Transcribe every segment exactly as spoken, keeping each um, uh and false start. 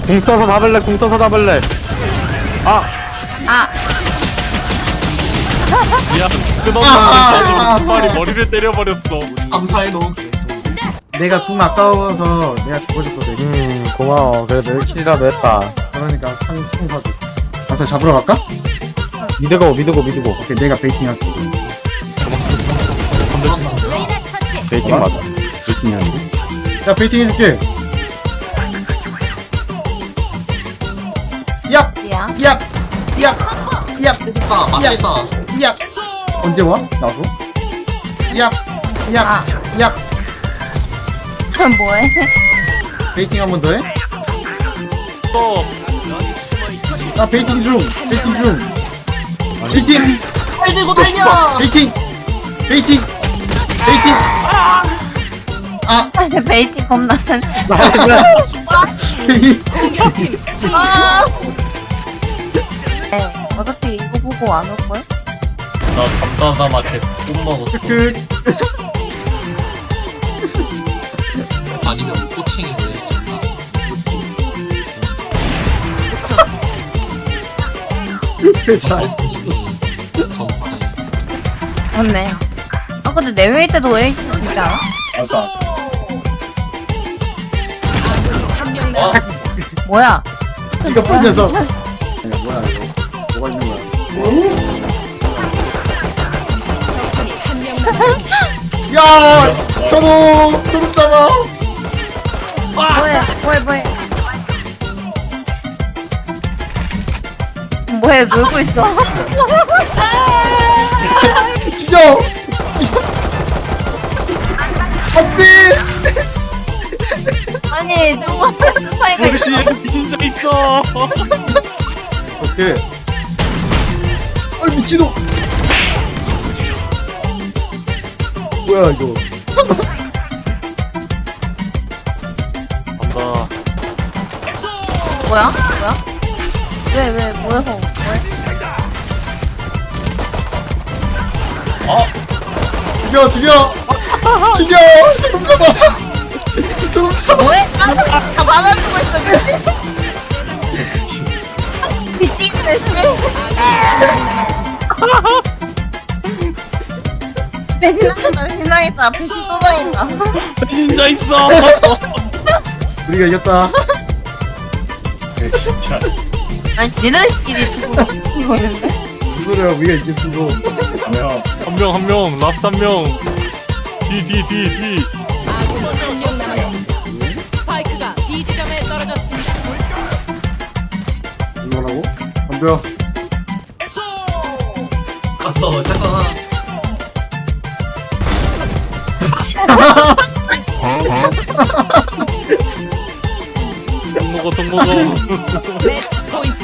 궁 써서 잡을래, 궁 써서 잡을래. 아! 아! 미안, 끝없는 한 마리 머리를 때려버렸어. 감사해 너. 내가 궁 아까워서 내가 죽어줬어 되게. 음, 고마워. 그래도 일 킬이라도 했다. 그러니까 한총 사줘. 가서 잡으러 갈까? 미드고, 미드고, 미드고. 오케이 내가 베이팅 할게. 베이팅 맞아. 베이팅 하는데? 야 베이팅 해줄게. 얍! 야. 얍! 얍! 얍! 아 맞겠다. 얍! 언제 와? 나서? 얍! 얍! 아. 얍! 그럼 뭐해? 베이팅 한 번 더 해? 또, 아 베이팅 중! 베이팅 중! 베이팅! 팔 들고 달려. 베이팅! 베이팅! 베이팅! 아! 베이팅 겁나. 베이 아! 네, 어차피 이거 보고 안 올 거야? 나 담담담한테 못 먹었어. 그 아니면 꼬챙이 보냈을까? 회사 전파에. 맞네. 아 근데 내 회의 때도 왜 진짜 알아? 맞아. 어? 뭐야? 이거 풀려서. 아니야 뭐야 이거? 뭐가 있는 거야? 야! 저거! 도둑 잡아! 뭐해? 뭐해? 뭐해? 뭐해? 놀고 있어? 죽여! 안돼! 아니 누가 사이가 있어? 진짜 있어. 오케이. 아 미친놈! 뭐야 이거? 간다. 뭐야? 뭐야? 왜 왜 모여서 뭐해? 어? 죽여 죽여! 죽여! 저놈 잡아! 저놈 잡아! 뭐해? 아, 다 받아주고 있어 미친. 미친 대신. 배신하겠다 배신하겠다 배신 또 다닌다. 진짜 있어. 우리가 이겼다. 진짜. 아니 니네들끼리 두고 이거 있는데? 무슨 소리야 우리가 이겼어. 한 명, 한 명, 라스트 한 명. 뒤, 뒤, 뒤, 뒤. 스파이크가 B 지점에 떨어졌습니다. 이거라고? 덤벼. 갔어. 잠깐만. 통 먹어, 통 먹어. 매치 포인트.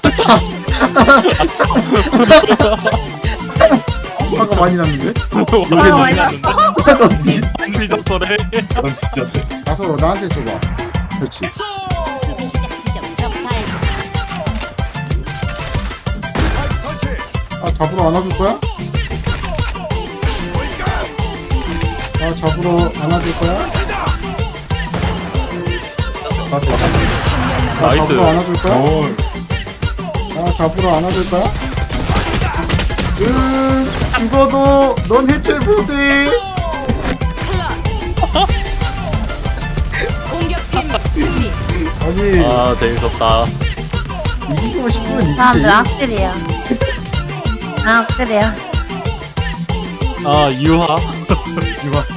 화가 많이 났는데? 와, 많이 났는데? 안 믿었어래. 가서 나한테 줘봐. 그렇지. 수비 시작 지점 적발. 아 잡으러 안아줄 거야? 아 잡으러 안아줄 거야? 아, 아 나이스. 잡으러 안아줄 거야? 오. 아 잡으러 안아줄 거야? 응 죽어도 넌 해체 못해. 공격팀 승리. 아니 아, 재밌었다. 이기고 싶으면 이기지. 사람들 악질이야. 아 악질이야. 아, 유하. 이거